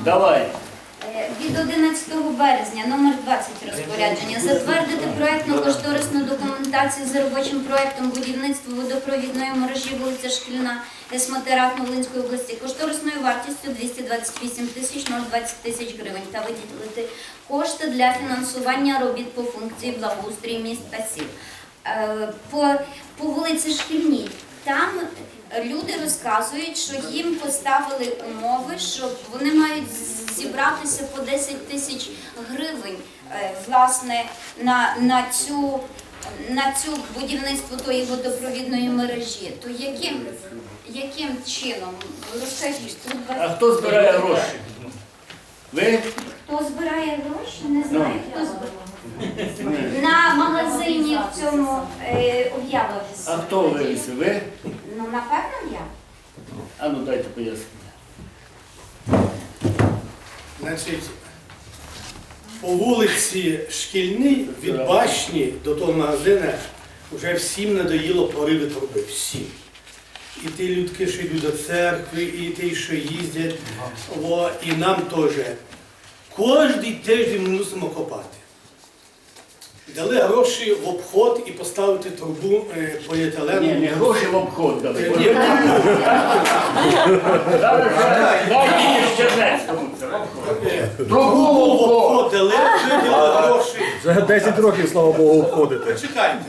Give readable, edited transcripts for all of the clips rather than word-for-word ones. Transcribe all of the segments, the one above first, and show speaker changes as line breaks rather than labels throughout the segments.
Давай.
Від 11 березня, номер 20 розпорядження, затвердити проєктно-кошторисну документацію за робочим проєктом будівництва водопровідної мережі вулиця Шкільна, СМТ Рахмовлинської області, кошторисною вартістю 228 тисяч 020 тисяч гривень та виділити кошти для фінансування робіт по функції благоустрій міст та сіл. По вулиці Шкільній, там люди розказують, що їм поставили умови, що вони мають зібратися по 10 тисяч гривень власне, на цю будівництво тої водопровідної мережі. То яким чином? Розкажіть.
А хто збирає гроші? Ви?
Хто збирає гроші? Не знаю, хто збирає. На магазині в цьому об'явилися.
А хто вивісив? Ви?
Ну, напевно, я.
А ну дайте пояснення.
Значить, по вулиці Шкільній від башні до того магазину вже всім надоїло пориви труби. Всім. І ті людки, що йдуть до церкви, і ті, що їздять, і нам теж. Кожний тиждень ми мусимо копати. Дали гроші в обход і поставити трубу поліетилену.
Ні, не гроші в обход дали.
Ні,
Дайте ще Чернецькому це в обход.
трубу в обход дали, виділи гроші.
Вже 10 років, слава Богу, обходите.
Почекайте.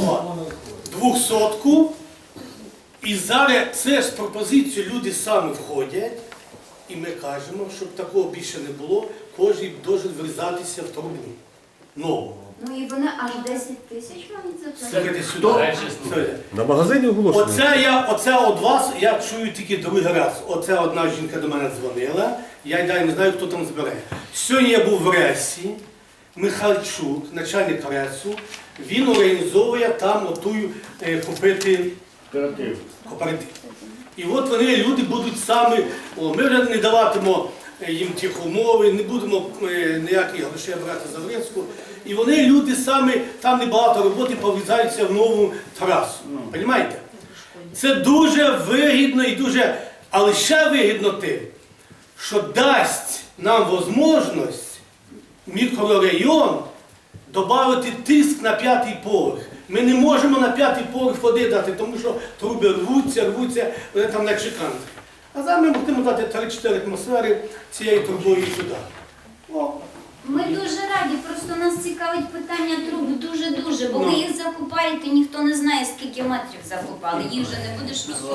200-ку. І зараз це з пропозицією люди самі входять. І ми кажемо, щоб такого більше не було, кожен може врізатися в трубу. Нову.
Ну і вони аж 10 тисяч мають за це.
Слухайте сюди. Слухайте.
На магазині оголошено.
Оце від вас я чую тільки другий раз. Оце одна жінка до мене дзвонила, я й далі не знаю, хто там збере. Сьогодні я був в Ресі, Михальчук, начальник Ресу, він організовує там отую купити кооператив. І от вони, люди, будуть самі, ми вже не даватимо їм тих умови, не будемо ніяких грошей брати за Врецьку. І вони, люди самі, там небагато роботи, пов'язаються в нову трасу. Розумієте? Це дуже вигідно і дуже, але ще вигідно тим, що дасть нам можливість мікрорайон додати тиск на 5-й поверх. Ми не можемо на 5-й поверх води дати, тому що труби рвуться, вони там не чеканти. А зараз ми будемо дати 3-4 атмосфери цією трубою сюди. О.
Ми дуже раді, просто нас цікавить питання труб дуже-дуже, бо ви їх закопаєте, ніхто не знає, скільки метрів закопали, їх вже не будеш розсувати.